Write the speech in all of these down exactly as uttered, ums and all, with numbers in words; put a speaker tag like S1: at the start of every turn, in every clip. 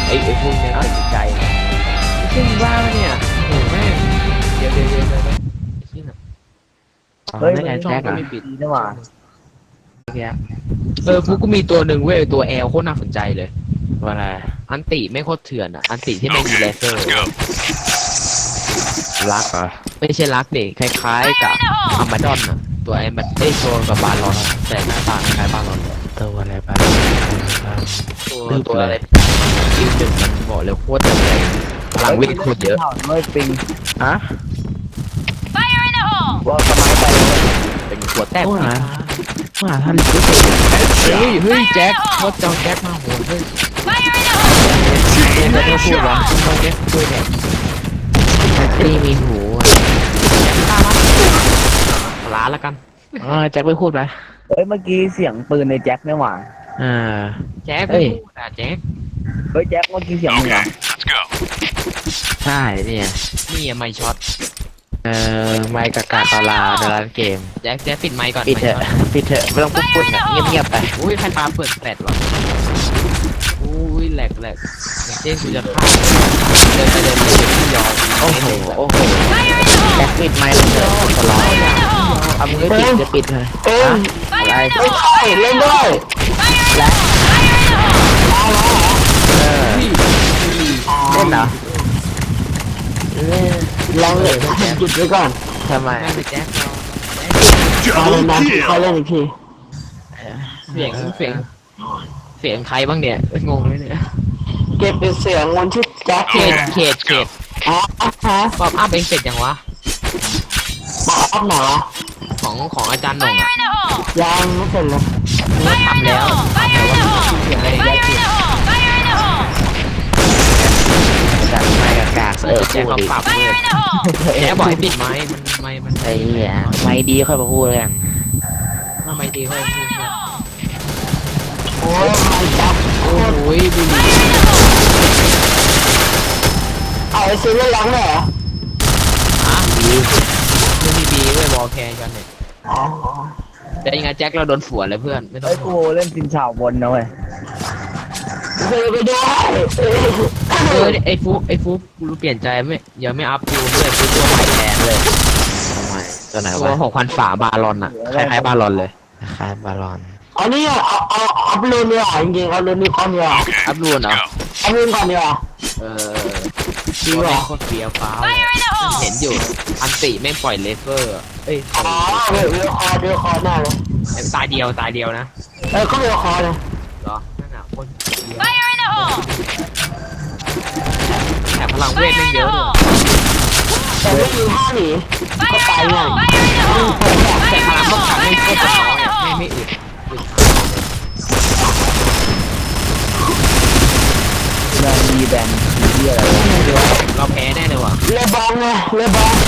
S1: ไอ้ไอ้พวกเนี้ยติดใจซึ่งว่าเนี่ยโอ้แม่เดี๋ยวเดี๋ยวเดี๋ยวเดี๋ยวที่น่ะ
S2: เฮ้ย
S1: ไม่
S2: มัน
S1: ไง
S2: ช่อง
S1: แจ็ค
S2: ก็
S1: อะ
S2: ไม่ปิดนี่หว่า
S1: เออพวกกูมีตัวหนึ่งเว้ยตัวแอลโคตรน่าสนใจเลย
S3: ว่าอะไร
S1: อันติไม่โคตรเถื่อนอ่ะอันติที่ไม่มีเลเซอร์
S3: รักเหรอ
S1: ไม่ใช่ลักเด็กคล้ายๆกับอามาดอนอ่ะตัวไอ้มันไอ้ตัวกับบาลอนแต่หน้าตาคล้ายบาลอน
S3: ตัวอะไรบ้าง
S1: ตัวตัวอะไรคิวหนึ่งมันบอกเลยโคตรจะแรงพลังวิ่งโคตรเยอะ
S2: ไม่ปิง
S3: ฮะ
S2: ว่าสมัยไปเลย
S1: เป็นหัวแต้ม
S3: ว่าว่าท่านรู้สึก
S1: เฮ้ยเฮ้ยแจ็คโคตรเจ้าแจ็คมาโหดเฮ้ยเอ็นจะไม่พูดวะต้องแจ็คช่วยเนี่ย
S3: ตีมีหู
S1: ล้าแล้วกัน
S3: อ่าแจ็คไม่พูดไหม
S2: เฮ้ยเมื่อกี้เสียงปืนในแจ็คนี่หว่า
S3: อ่า
S1: แจ็ค
S3: เฮ้
S1: ไม่
S3: ย
S1: พูดอ่ะแจ็ค
S2: เฮ้ยแจ็คเมื่อกี้เสียงมึงเหรอ
S3: ใช่เนี่ย
S1: นี่อะไม่ช็อต
S3: เอ่อไมค์กากาตาลาในร้านเกม
S1: แจ็คแจ็คปิดไมค์ก่อน
S3: ปิดเถอะ
S1: ไมค์ช็อต
S3: ปิดเถอะไม่ต้องพูดพูดนะเงียบๆไป
S1: อุ้ยใครปาเปิดแปดวะอุ้ยแหลกแหลกอย่างเช่นกูจะฆ่าเดินไปเดินไปเดินที่ยอม
S3: โอ้โหโอ้โหแจ็คปิดไมค์เลยเถอะขอร้องเอามือปิดจะปิดเลยอะไร
S2: ไม่ใช่เล่นด้วย
S3: เออเล่นเหรอ
S2: ลองเลยหยุดไว้ก่อน
S3: ทำไม
S1: แม่งไปแจ็คเรา
S2: เขาเล่นนะเขาเล่นอีกที
S1: เสียงเสียงเสียงใครบ้างเนี่ยงงเลยเนี่ย
S2: เก็บเป็นเสียงวันที่แจ็ค
S1: เขตเขตเขต
S2: อ๋อฮะ
S1: ป๊อปอัพเองเสร็จยังวะ
S2: บอกอัพหนอ
S1: ของของอาจารย์หน่งอ่ะ
S2: ยังไม่เสร็จเลย
S1: ว่าทำแล้วทำแล้วว่าเสียงอะไรแจ็คเขต
S3: จากไมค์กากาเออ
S1: แจ็ค
S3: พูด
S1: เขา
S3: ดิ
S1: ปรับเลยแจ็คบอกให้ปิดไม้มันไม้มัน
S3: ไอ้เหี้ยไม่ดีค่อยมาพูดกัน
S1: ทำไมดีเขาพูดเนี่ย
S2: โอ้ยไม่จับ
S1: โอ้ยบุหรี่
S2: เอาไอ้ซื้อเล่นล้างเหรอ
S1: อ่ะดีไม่มีบีเว้ยวอลแคร์กันเนี่ย
S2: อ๋อ
S1: แต่ยังไงแจ็คเราโดนฝวนเลยเพื่อนไม่ต้อง
S2: ไอ้กูเล่นซินชาวบนนะเว้ยเคยไปด้วย
S1: เออไอ้ฟุกไอ้ฟุกกูเปลี่ยนใจไม่อย่าไม่อัพกูเลยกูตัวใหม่แทนเลย
S3: ทำไมตัวไหน
S1: ตัว
S3: วะ
S1: หกพันฝาบาลอนอ่ะคล้ายๆบาลอนเลย
S3: คล้ายบาลอน
S2: อันนี้เอาเอาอัพโหลดเนี่ยจริงๆเอาโหลดนี่ก่อนเนี่ย
S1: อัพรูนเหรอ
S2: อัพโหลดก่อนเนี่ย
S1: เออจริงเหรอโคตรเฟี้ยวฟ้าวเห็นอยู่อันติไม่งปล่อยเลเซอร์เอ้ย
S2: อ๋อเดี๋ยวเดี๋ยวคอเดี๋ยวคอหน้าเลย
S1: ตายเดียวตายเดียวนะ
S2: เออก็เดี๋ยวคอเลย
S1: เหรอนั่นน่ะคนเดียวแต่พลังเวทไม่งเยอะด้วย
S2: แต่ไม่มีท่าหนีก็ตายง่าย
S1: แต่พลังเขาขาดไม่โคตรน้อยอ่ะไม่ไม่อึดอึด
S2: แบนดีแบนดีอะไร
S1: เดี๋ยวเราแพ้แน่เลยว่ะ
S2: เลบองไงเลบอง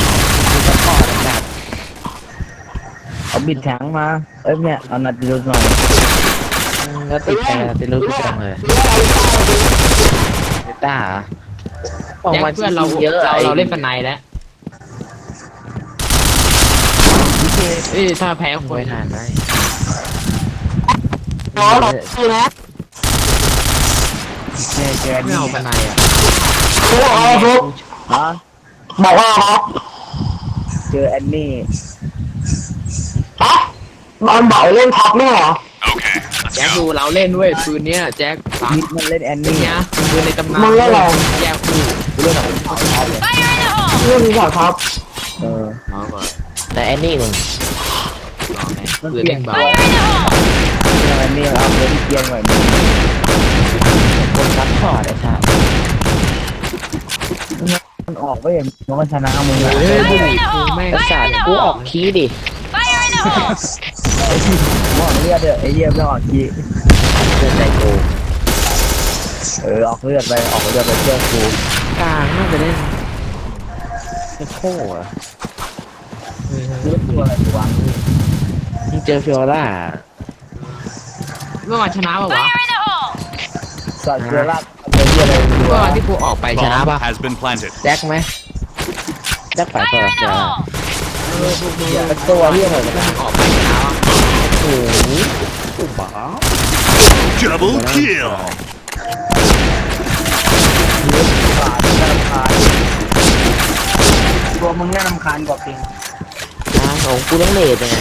S2: เอาบิดแข็งมาเอ้ยเนี่ยเอานัดดูหน่อย
S3: แล้วติดแกติดรู้ทุกอย่างเลยติดตาเหรอออก
S1: แจ็ค
S3: มา
S1: เพื่อนเรา
S3: เยอะ
S1: เราเราเล่นฟันในแล้วเอ้ยถ้าแพ้คน
S3: ไม่ทานได้
S2: อ๋อหรอคือนะแกแก
S1: ไม่
S2: นี่
S1: เอาฟันในอ่ะ
S2: โอ้โหฟุกฮะบอกว่าครับเจอแอนนี่ฮะบอลบอกเล่นท็อปเนี่ยเหรอ
S1: แจ็คดูเราเล่นด้วยปืนเนี้ยแจ็คสาม
S2: มิดมันเล่นแอน
S1: ปืน
S2: นี่
S1: เนี้ยปืนในตำนาน
S2: มึงเล่นอะไร
S1: แยกคู่
S2: เล่นอะไรท็อปท็อปเลยเล่นนี้ท็อปเออ
S1: เอาก่อน
S3: แต่แอนนี่มึง
S1: ปืนเล่นเบา
S2: แอนนี่เอาเล่นเกียงหน่อยมึง
S3: คนซัพพอร์ตไอ้ชา
S2: มันออกไปเองมันชนะมึงอะ
S1: เฮ้ยบุหรี่กูแม่ง
S3: ไอ้สัตว์กูออกคีย์ดิ
S2: มองเลือดเด้อไอ้เยี่ยมต้องออกที
S3: เพื่อนใจกู
S2: เออออกเลือดไปออกเลือดไปเชื่อกู
S3: กลางน่าจะเล่นเป็นโค้อะ
S2: เลือดตัวอะไรวะ
S3: มึงเจอฟิโอล่า
S1: เมื่อวานชนะป่าวะ
S2: สัตว์เกลือลาดเป็นเยี่ยอะไรดู
S1: เมื่อ
S2: วะ
S1: วานที่กูออกไปชนะ
S4: Bomb
S1: ป่ะ
S4: has been planted.
S3: แจ็คไหมแจ็คไปก่อนเดี๋ยว
S2: เป็นตัวเยี่ยอะไรกัน
S1: ออกไปชนะป่ะ
S3: โอ้โหกูบ้า
S4: Double kill.
S2: บาทน่ารำคาญตัวมึงน่ารำคาญกว่าปิง
S3: นะของกูต้องเลทไง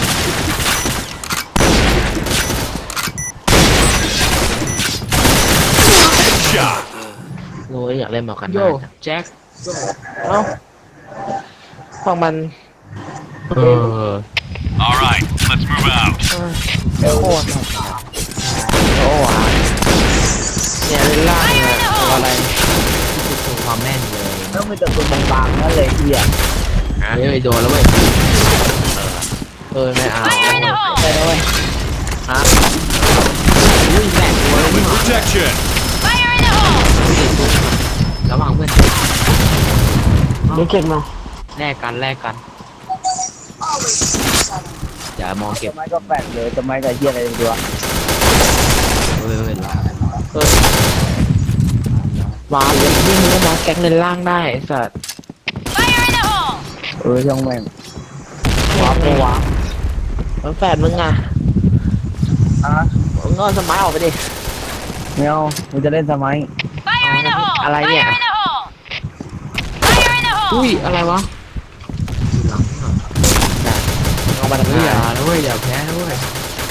S3: โอ้ยอยากเล่นหมอกัน
S1: โย
S3: นะ
S1: แจ็ค
S3: เอ้าของมัน
S1: เออ
S4: All right, let's move out.
S3: โอ้โหโอ้โหเนี่ยเล่นล่างเนี่ยตัวอะไร
S1: คือความแม่นเลย
S2: แล้วมีแต่ตัวบางๆนั่นเลยเฮีย
S1: เฮ้ยโดนแล้วเว้ย
S3: เออไม่เอาไม่ได้แล้วเว้ยฮะ
S1: อุ้ยแหลกตัวเลย
S4: With
S1: นี่หว่า
S4: protection.
S1: ระวังเพื่อน
S2: นี่เก็บมา
S1: แลกกันแลกกันอย่ามองเก็บ
S2: ทำไมก็แปลกเลยทำไมกับเฮียอะไรตัว
S1: เว้ยเว้ยละ
S3: เออวาเลยยิ่งก็มาแก๊กเล่นล่างได้ไอ้สัตว์
S2: เออช่างแม่ง
S3: ว้าวไม่ว้าวมันแฝดมึงอ่ะ
S2: อ่ะ
S3: มึงก็สมัยออกไปดิ
S2: ไม่เอามึงจะเล่นทำไม
S3: อะไรเนี่ย
S1: อุ้ยอะไรวะหลังอ่ะ
S3: เอามาทำ
S1: เฮ้ย
S3: ไม
S1: อย่านะเว้ยอย่าแพ้นะเว้ย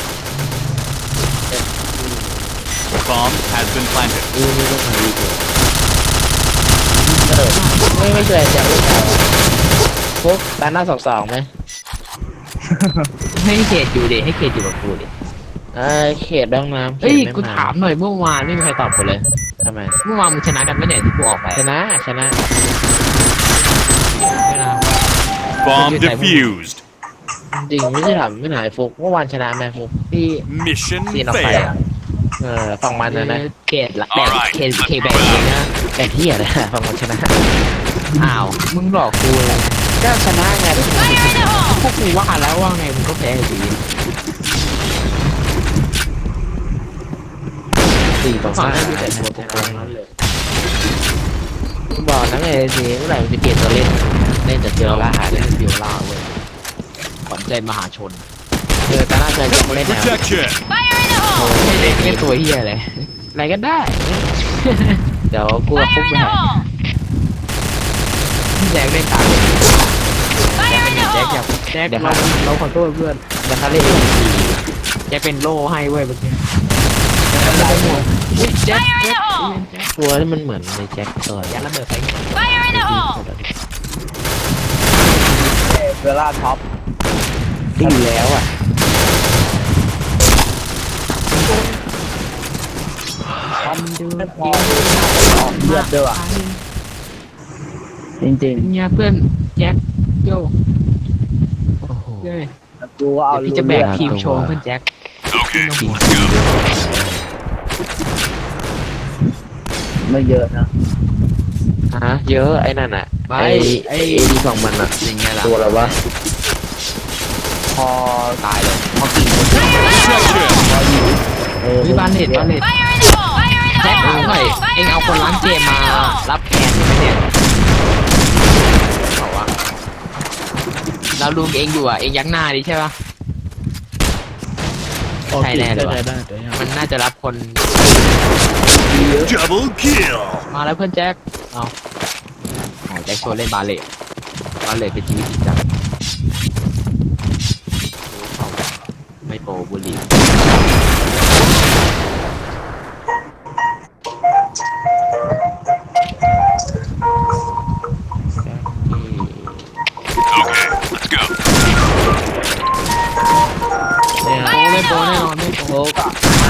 S4: Bomb has been planted.
S1: อุ้ยไม่ต้องหาอีกเลย
S3: เออไม่ไม่ช่วยจับลูกแถวปุ๊บด้านหน้าสองสองไหม
S1: ให้เขตอยู่ดิให้เขตอยู่กับกูดิ
S3: เออเขตบ้องน้ำ
S1: เฮ้ย
S3: ขตไ
S1: กูถามหน่อยเมื่อวานไม่มีใครตอบกูเลย
S3: ทำไม
S1: เมื่อวานมึงชนะกันไหมเนี่ยที่กูออกไป
S3: ชนะชนะ
S1: ไม่นะ
S4: Bomb defused.
S3: จริงไม่ใช่ถามไม่หายฟุกเมื่อวานชนะแม่ฟุกที่
S4: Mission
S3: ซีนออกไปอะ
S4: failed.
S3: เออฝั่งมันนะนะ
S1: เขตละแต่เขตเขตแบบนี้นะ
S3: แต่ที่อะไรฝั่งมันชนะ
S1: อ้าวมึงหลอกกูเลย
S3: ก็ชนะไง
S1: พวกกูว่าแล้วว่าไงมึงก็แพ้อยู่ดี
S3: สี่ต่อ
S1: ฝั่ง
S3: ห้า
S1: นั้นดูแต่
S3: ช
S1: ตัว
S3: นะ
S1: โกงนั้นเลย
S3: บอกนะไงสิเมื่อไหร่มันจะเปลี่ยนตัวเล่นเล่นแต่เจอล่าหา
S1: เล่
S3: เล่น
S1: นเบียวล่าเว้ยขวัญใจมหาชน
S3: เจอตาหน้าเจอจะเล่นแนว
S4: Protection.
S1: โอ้ยเล่นเล่นตัวเฮียเลยอะไรก็ได้
S3: เดี๋ยวกูกับฟุกไปหา
S1: พี่แจ็คเล่นตามแจ็คอยากแจ็คเราเราขอโทษเพื่อน
S3: เดี๋ยวเขาเล่นอีกที
S1: แจ็คเป็นโล่ให้เว้ยเมื่อกี้แจ็คเป็นโล่อุ้ยแจ็คแจ็ค
S3: ตัวที่มันเหมือนในแจ็คตัว
S1: ยัดระเบิดไป
S2: เวลาท็อป
S3: ที่อยู่แล้วอ่ะ
S1: ทำดู
S2: ไม่พอออกเลือดด้วยว่ะจริง
S1: เนี่ยเพื่อนแจ็คโย
S3: โอ้โห
S1: เย้ย
S2: ๆแล้วกูก็เอา
S1: เดี๋ยวพี่จะแบกทีมโชว์เพื่อนแจ็ค
S4: Okay, let's go.
S2: ไม่เยอะนะ
S3: ฮะเยอะไอ้นั่นอ่ะไอ้ไอ้ดีของมันอ่ะ
S1: ยังไงล่ะ
S3: ตัวอะไรวะ
S2: พอ
S1: ตายเลยพอกี่คน
S4: Protection.
S3: เออ
S1: วิบานเน็ตบานเน็ตแจ็คเอาหน่อยเอ็งเอาคนล้างเกมมารับแทนใช่ไหมเนี่ยบอกว่าเราดูเองอยู่อ่ะเองยักหน้าดิใช่ปะใช่แน่เลยวะ
S3: ได้ได้ได้
S1: มันน่าจะรับคน
S4: Double kill.
S1: มาแล้วเพื่อนแจ็คเอาอ๋อแจ็คโชว์เล่นบาเล่บาเล่เป็นชีวิตจริงจังโอ้เข้าไม่โปรบุหรี
S4: Okay, let's go.
S3: เนี่ย
S1: โปรไม่โปรแน่นอนไม่โปร
S3: โอ้กะ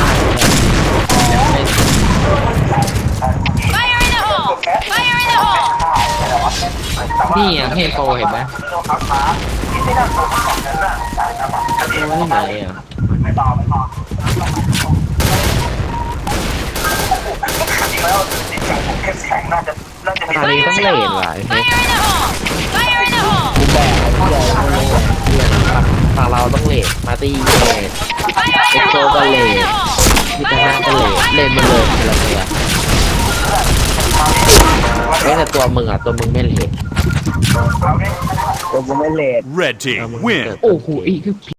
S1: นี่อ่ะให้โปรเห็นไหม
S3: ตัวที่ไหนอ่ะตอนนี้ต้องเลนว่ะไอ้เฮ้ย
S2: กูแบกไอ้เหี้ยไม่รู้
S3: เพื่อนฝั่งเราต้องเลนมาตีเลนเอ็กโซก็เลนพิจารณาก็เลนเลนมาเลยคนละตัวเฮ้ยแต่ตัวมึงอ่ะตัวมึงไม่เลน
S2: ตัวกูไม่เลท
S4: Red team win.
S1: โอ้โหอีกคือ